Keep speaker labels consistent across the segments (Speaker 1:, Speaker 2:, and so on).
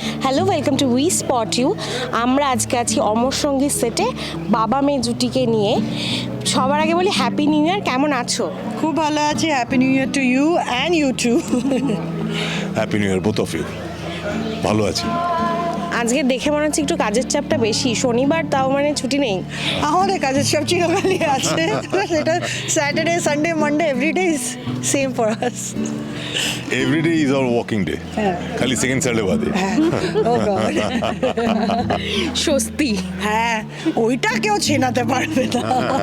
Speaker 1: Hello, welcome to we spot you. আমরা আজকে আছি অমর সঙ্গীত সেটে বাবা মেয়ে জুটিকে নিয়ে। সবার আগে বলি হ্যাপি নিউ ইয়ার, কেমন আছো?
Speaker 2: খুব ভালো আছি। Happy new year to you and you too.
Speaker 3: Happy new year both of you. ভালো আছি।
Speaker 1: আজকে দেখে মনে হচ্ছে একটু কাজের চাপটা বেশি, শনিবার তাও মানে ছুটি নেই।
Speaker 2: আমাদের কাজের সব চিরকালই আছে, সেটা Saturday Sunday Monday everyday is same for us.
Speaker 3: Everyday is our working day, খালি সেকেন্ড স্যাটারডে বাদে।
Speaker 2: ও গড,
Speaker 1: স্বস্তি।
Speaker 2: হ্যাঁ ওইটা কেউ চেনাতে পারবে না।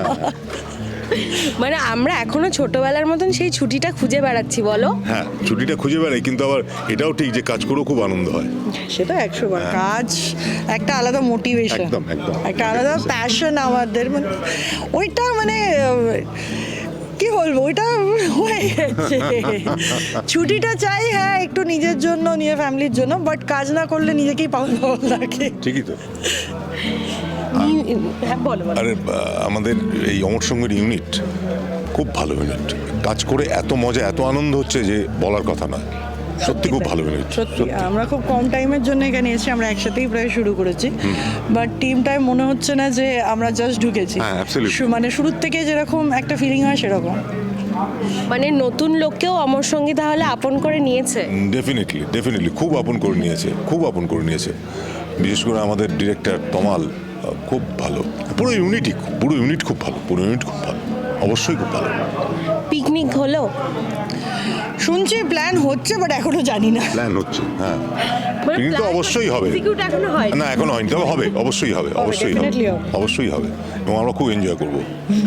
Speaker 1: মানে আমরা এখনো ছোটবেলার মতন সেই ছুটিটা খুঁজে বেড়াচ্ছি, বলো?
Speaker 3: হ্যাঁ, ছুটিটা খুঁজে বেড়াই, কিন্তু আবার এটাও ঠিক যে কাজ করেও খুব আনন্দ হয়।
Speaker 2: সেটা 100 বার। কাজ একটা আলাদা মোটিভেশন,
Speaker 3: একদম, একদম।
Speaker 2: একটা আলাদা প্যাশন আমাদের। মানে ওইটা মানে কি বলবো, ওইটা হয়ে গেছে। ছুটিটা চাই, হ্যাঁ, একটু নিজের জন্য, নিজের ফ্যামিলির জন্য, বাট কাজ না করলে নিজেকেই পাগল পাগল লাগে।
Speaker 3: ঠিকই তো।
Speaker 1: হ্যাঁ বলো বলো।
Speaker 3: আরে আমাদের এই অমর সঙ্গীর ইউনিট খুব ভালো ইউনিট। কাজ করে এত মজা, এত আনন্দ হচ্ছে যে বলার কথা নয়। সত্যি খুব ভালো ইউনিট।
Speaker 2: সত্যি আমরা খুব কম টাইমের জন্য এখানে এসেছি, আমরা একসাথেই প্রায় শুরু করেছি, বাট টিমটাই মনে হচ্ছে না যে আমরা জাস্ট ঢুকেছি।
Speaker 3: হ্যাঁ, absolutely.
Speaker 2: মানে শুরুর থেকে যেরকম একটা ফিলিং হয় সেরকম।
Speaker 1: মানে নতুন লোককেও অমর সঙ্গী তাহলে আপন করে নিয়েছে।
Speaker 3: ডেফিনেটলি খুব আপন করে নিয়েছে, খুব আপন করে নিয়েছে। বিশেষ করে আমাদের ডিরেক্টর তমাল খুব ভালো। পুরো ইউনিট খুব ভালো, অবশ্যই খুব ভালো।
Speaker 1: পিকনিক হলো?
Speaker 2: শুনছি প্ল্যান হচ্ছে, বাট এখনো জানি না।
Speaker 3: প্ল্যান হচ্ছে, হ্যাঁ।
Speaker 1: মানে
Speaker 3: পিকনিক তো
Speaker 1: plan
Speaker 3: অবশ্যই হবে।
Speaker 1: execute এখনো হয়নি।
Speaker 3: না, এখনো হয়নি, তবে হবে, অবশ্যই হবে,
Speaker 2: definitely হবে।
Speaker 3: অবশ্যই হবে, এবং আমরা খুব এনজয় করবো।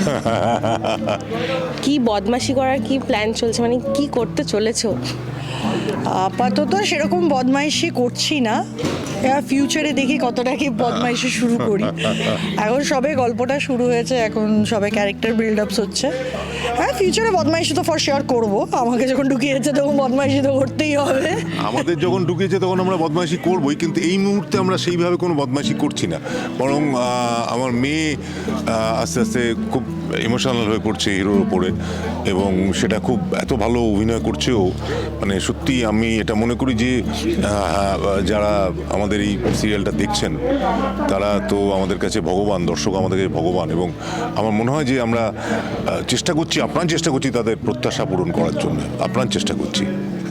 Speaker 1: কি বদমাশি করার কি প্ল্যান চলছে, মানে কি করতে চলেছো?
Speaker 2: আপাতত সেরকম বদমাইশি করছি না, ফিউচারে দেখি কতটা কি বদমাইশি শুরু করি। এখন সবে গল্পটা শুরু হয়েছে, এখন সবে ক্যারেক্টার বিল্ড আপস হচ্ছে। হ্যাঁ, ফিউচারে বদমাইশি তো ফর শিওর করবো। আমাকে যখন ঢুকিয়েছে তখন বদমাইশি তো করতেই হবে।
Speaker 3: আমাদের যখন ঢুকেছে তখন আমরা বদমাইশি করবোই, কিন্তু এই মুহূর্তে আমরা সেইভাবে কোনো বদমাইশি করছি না। বরং আমার মেয়ে আস্তে আস্তে খুব ইমোশনাল হয়ে পড়ছে হিরোর ওপরে, এবং সেটা খুব এত ভালো অভিনয় করছেও। মানে সত্যি আমি এটা মনে করি যে যারা আমাদের এই সিরিয়ালটা দেখছেন তারা তো আমাদের কাছে ভগবান, দর্শক আমাদের কাছে ভগবান, এবং আমার মনে হয় যে আমরা আপ্রাণ চেষ্টা করছি তাদের প্রত্যাশা পূরণ করার জন্য, আপ্রাণ চেষ্টা করছি।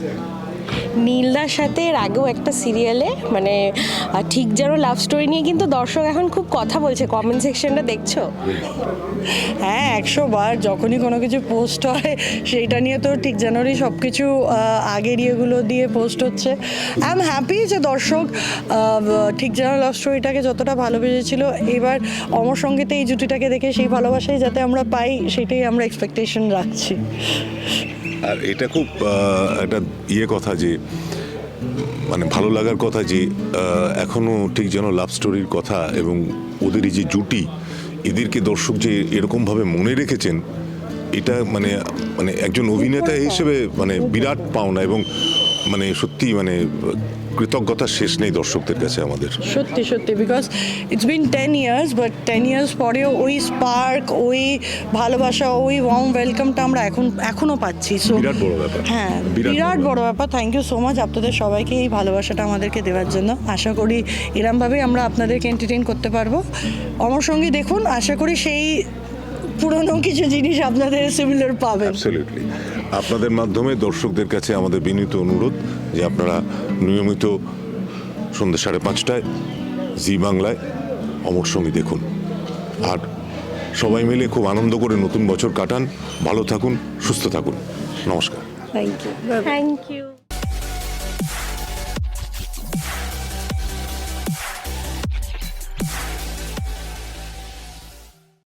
Speaker 1: নীলদার সাথে এর আগেও একটা সিরিয়ালে মানে ঠিক যেন লাভ স্টোরি নিয়ে কিন্তু দর্শক এখন খুব কথা বলছে, কমেন্ট সেকশনটা দেখছো?
Speaker 2: হ্যাঁ, 100 বার যখনই কোনো কিছু পোস্ট হয় সেইটা নিয়ে তো ঠিক জানুয়ারি সব কিছু আগের ইয়েগুলো দিয়ে পোস্ট হচ্ছে। আই এম হ্যাপি যে দর্শক ঠিক জানুয়ারি লাভ স্টোরিটাকে যতটা ভালোবেসেছিল, এবার অমর সঙ্গীতে এই জুটিটাকে দেখে সেই ভালোবাসাই যাতে আমরা পাই, সেটাই আমরা এক্সপেকটেশন রাখছি।
Speaker 3: আর এটা খুব একটা কথা যে মানে ভালো লাগার কথা যে এখনও ঠিক যেন লাভ স্টোরির কথা, এবং ওদের এই যে জুটি, এদেরকে দর্শক যে এরকমভাবে মনে রেখেছেন, এটা মানে মানে একজন অভিনেতা হিসেবে মানে বিরাট পাওনা, এবং মানে সত্যি মানে কৃতজ্ঞতার শেষ নেই দর্শকদের কাছে আমাদের।
Speaker 2: সত্যি সত্যি, because it's been 10 years, but 10 years পরেও ওই স্পার্ক, ওই ভালোবাসা, ওই ওয়ার্ম ওয়েলকামটা আমরা এখনো পাচ্ছি। সো
Speaker 3: বিরাট বড় ব্যাপার।
Speaker 2: হ্যাঁ, বিরাট বড় ব্যাপার। থ্যাংক ইউ সো মাচ আপনাদের সবাইকে এই ভালোবাসাটা আমাদেরকে দেওয়ার জন্য। আশা করি এরমভাবেই আমরা আপনাদেরকে এন্টারটেইন করতে পারবো। অমর সঙ্গী দেখুন, আশা করি সেই পুরনো কিছু জিনিস আপনাদের সিমিলার পাবেন।
Speaker 3: অ্যাবসলিউটলি। আপনাদের মাধ্যমে দর্শকদের কাছে আমাদের বিনীত অনুরোধ যে আপনারা নিয়মিত সন্ধ্যে 5:30টায় জি বাংলায় অমর সঙ্গী দেখুন, আর সবাই মিলে খুব আনন্দ করে নতুন বছর কাটান। ভালো থাকুন, সুস্থ থাকুন। নমস্কার।
Speaker 2: Thank you.
Speaker 1: Thank you.